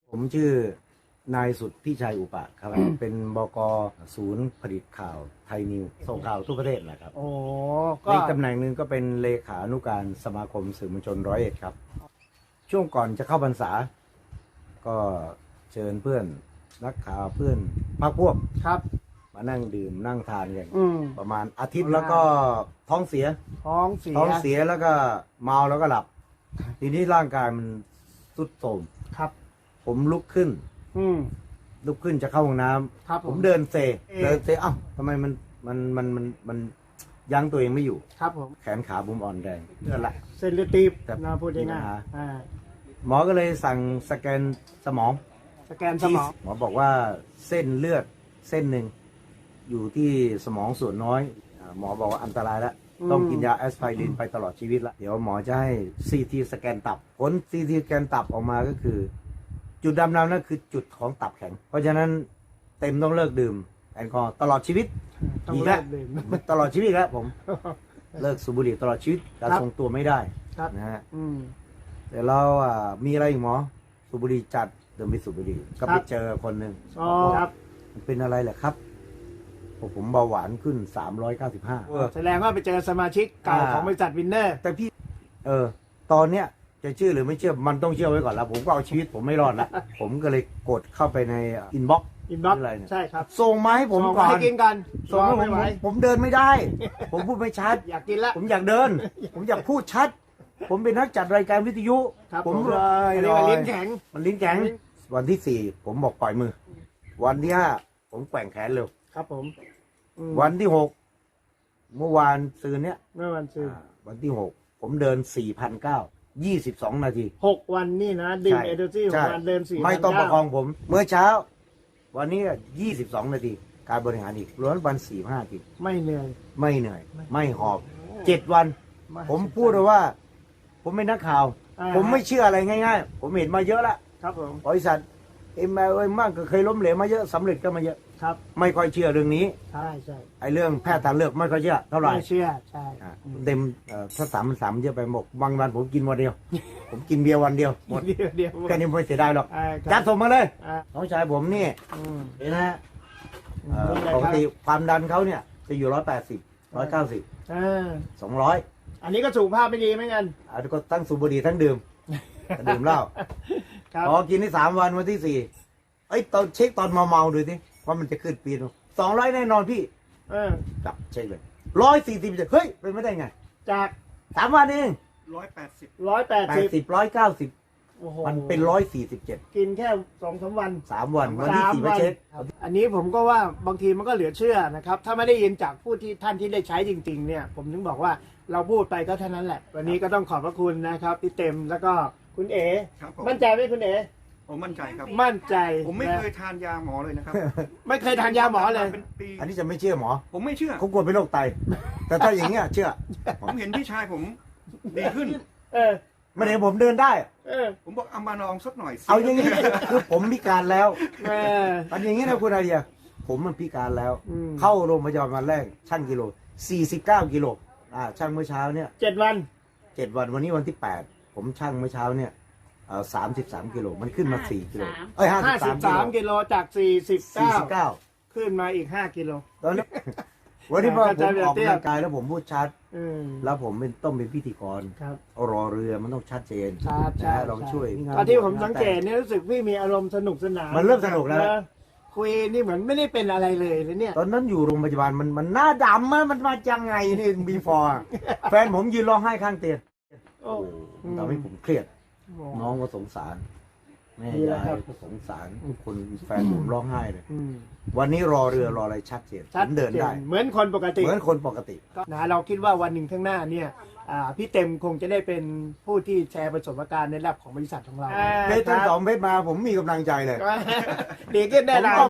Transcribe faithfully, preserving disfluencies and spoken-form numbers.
ผมชื่อนายสุดพี่ชัยอุปะครับ เป็นบก.ศูนย์ผลิตข่าวไทยนิวส่งข่าวทั่วประเทศนะครับโอ้ก็อีกตำแหน่งหนึ่งก็เป็นเลขานุการสมาคมสื่อมวลชนร้อยเอ็ดครับ ช่วงก่อนจะเข้าพรรษา ก็เชิญเพื่อนนักข่าวเพื่อนพรรคพวกครับมานั่งดื่มนั่งทานกันอืมประมาณอาทิตย์แล้วก็ท้องเสียท้องเสียท้องเสียแล้วก็เมาแล้วก็หลับ ทีนี้ร่างกายมันทรุดโทรมครับผมลุกขึ้นอืมลุกขึ้นจะเข้าห้องน้ำครับผมผมเดินเซเอ๊ะเดินเซเอ้าทำไมมันมันมันมันมันยั้งตัวเองไม่อยู่ครับผมแขนขาผมอ่อนแรงเลือดไหลเส้นเลือดตีบแต่นะพูดมีปัง่าญยหาๆอ่าหมอก็เลยสั่งสแกนสมองสแกนสมองหมอบอกว่าเส้นเลือดเส้นหนึ่งอยู่ที่สมองส่วนน้อยอ่าหมอบอกว่าอันตรายแล้ว ต้องกินยาแอสไพรินไปตลอดชีวิตละเดี๋ยวหมอจะให้ซีทีสแกนตับผลซีทีสแกนตับออกมาก็คือ จุดดำๆนั่นคือจุดของตับแข็ง เพราะฉะนั้นเต็มต้องเลิกดื่มแอลกอฮอล์ตลอดชีวิตต้องอีกเลิแล้วกดื่มตลอดชีวิตแล้วผมเลิกสูบบุหรี่ตลอดชีวิตการครับทรงตัวไม่ได้ครับนะฮะอืมแต่เราอ่ะมีอะไรอีกหมอสูบบุหรี่จัดเดินไปสูบบุหรี่ก็ครัไปบเจอคนหนึ่งอ๋อครับมันเป็นอะไรแหละครับผมผมเบาหวานขึ้นสามร้อยเก้าสิบห้าแสดงว่าไปเจอสมาชิกเก่าอ่าของบริษัทวินเนอร์แต่พี่ เออ ตอนเนี้ยจะเชื่อหรือไม่เชื่อมันต้องเชื่อไว้ก่อนแล้วผมก็เอาชีวิตผมไม่รอดละ ผมก็เลยกดเข้าไปในอินบ็อกซ์อินบ็อกซ์อะไรเนี่ยใช่ครับส่งมาให้ผมส่งก่อนให้กินกันส่งให้ผไม่มไหวผมเดินไม่ได้ ผมพูดไม่ชัดอยากกินละผมอยากเดิน ผมอยากพูดชัด ผมเป็นนักจัดรายการวิทยุครับผมผมเลยอันนี้ว่าลิ้นแข็งมันลิ้นแข็ง วันที่สี่ผมบอกปล่อยมือ วันที่ห้าผมแกว่งแขนเร็วครับผมอืมวันที่หกเมื่อวานซืนเนี้ยเมื่อวันซื้ออ่าวันที่หกผมเดินสี่พันเก้ายี่สิบสองนาทีหกวันนี่นะดื่มใช่เอเดอร์ซี่หใช่กวันเดินสี่ไม่ต้องประคองพันเก้าผม เมื่อเช้า วันนี้ยี่สิบสองนาที การบริหารอีกล้วนวันสี่ห้านาทีไม่เหนื่อยไม่เหนื่อย ไม่หอบเจ็ดวัน ผมพูดเลยว่า ผมเป็นนักข่าวอ่าผมไม่เชื่ออะไรง่ายๆ ผมเห็นมาเยอะละครับผมบริษัทเอ็มเอมากก็เคยล้มเหลวมาเยอะสำเร็จก็มาเยอะครับไม่ค่อยเชื่อเรื่องนี้ใช่ใช่ไอ้เรื่องแพทย์ทางเลือกไม่ค่อยเชื่อเท่าไหร่ไม่เชื่อใช่อ่ะเต็มเอ่อถ้าสามสามเยอะไปหมดบางวันผมกินวันเดียว ผมกินเบียร์วันเดียวหมดเดียวเดียวแค่นี้ไม่เสียดายหรอกอ่าครับจัดส่งมาเลยอ่าน้องชายผมนี่อืมเห็นนะฮะเอ่อนี่เลยปคกรับติความดันเขาเนี่ย จะอยู่ร้อยแปดสิบร้อยเก้าสิบอ่าสองร้อยอันนี้ก็สุขภาพไม่ดีเหมือนกันอ่ะก็ทั้งสูบบุหรี่ทั้งดื่ม ดื่มเหล้าครับพอกินได้สามวันวันที่สี่เอ้ยตอนเช็คตอนเมาๆดูสิว่ามันจะขึ้นปีนสองร้อยแน่นอนพี่เออกลับเช็คเลยร้อยสี่สิบเฮ้ยเป็นไม่ได้ไงจากสามวันเองร้อยแปดสิบร้อยแปดแปสิดบสิบร้อยเก้าสิบโอ้โหมันเป็นร้อยสี่สิบเจ็ดกินแค่สองสามวันสามวันวันที่สามสี่ไปวันเช็คครับอันนี้ผมก็ว่าบางทีมันก็เหลือเชื่อนะครับ ถ้าไม่ได้ยินจากผู้ที่ท่านที่ได้ใช้จริง ๆ เนี่ย ผมถึงบอกว่าเราพูดไปก็เท่านั้นแหละ วันนี้ก็ต้องขอบพระคุณนะครับพี่เต็มแล้วก็คุณเอ๋ครับผมมั่นใจไหมคุณเอ๋ผมมั่นใจครับมั่นใจผมไม่นะเคยทานยาหมอเลยนะครับไม่เคยทานยาหมอเลยเป็นปีอันนี้จะไม่เชื่อหมอผมไม่เชื่อเขากลัวเป็นโรคไต แต่ถ้าอย่างเงี้ยเชื่อผมเห็นพี่ชายผมดีขึ้นเออไม่ได้ผมเดินได้เออผมบอกเอามาลองสักหน่อยสิเอาอย่างนี้ คือผมพิการแล้วเอออันอย่างนี้นะคุณอาเดียผมมันพิการแล้วอืมเข้าโรงพยาบาลวันแรกชั่งกิโลสี่สิบเก้ากิโลอ่าชั่งเมื่อเช้าเนี่ยเจ็ดวันเจ็ดวันวันนี้วันที่แปดผมชั่งเมื่อเช้าเนี่ยเอ่อสามสิบสามกิโลมันขึ้นมาสี่กิโลเอ้ยห้าห้าสิสิบบ สามสามกิโลจากสี่สิบสี่เก้าสิบเก้าขึ้นมาอีกห้ากิโลตอนนี้ วันนี้พอเข้าผใจมแบบออกเตี้ยกำลังกายแล้วผมพูดชัดอืมแล้วผมเป็นต้องเป็นพิธีกรครับรอเรือมันต้องชัดเจนชัดนะลองช่วยตอนที่ผมสังเกตเนี่ยรู้สึกพี่มีอารมณ์สนุกสนานมันเริ่มสนุกแล้วะคุยนี่เหมือนไม่ได้เป็นอะไรเลยเลยเนี่ยตอนนั้นอยู่โรงพยาบาลมันมันหน้าดำอะมันมาจังไงนี่บีฟอร์แฟนผมยืนร้องไห้ข้างเตียงโอ้มันทำให้ผมเครียดโหน้องก็สงสาร แม่ดีแล้วยาครัยบก็สงสารทุกคนแฟนผมร้องไห้เลยอืมวันนี้รอเรือรออะไรชัดเจนผชัดมเดินได้จนเหมือนคนปกติเหมือนคนปกติก็นะเราคิดว่าวันหนึ่งข้างหน้าเนี่ยอ่าพี่เต็มคงจะได้เป็นผู้ที่แชร์ประสบการณ์ในระดับของบริษัทของเราเพชรทั้งสองเพชรมาผมมีกำลังใจเลยดีขึ้นแน่นอน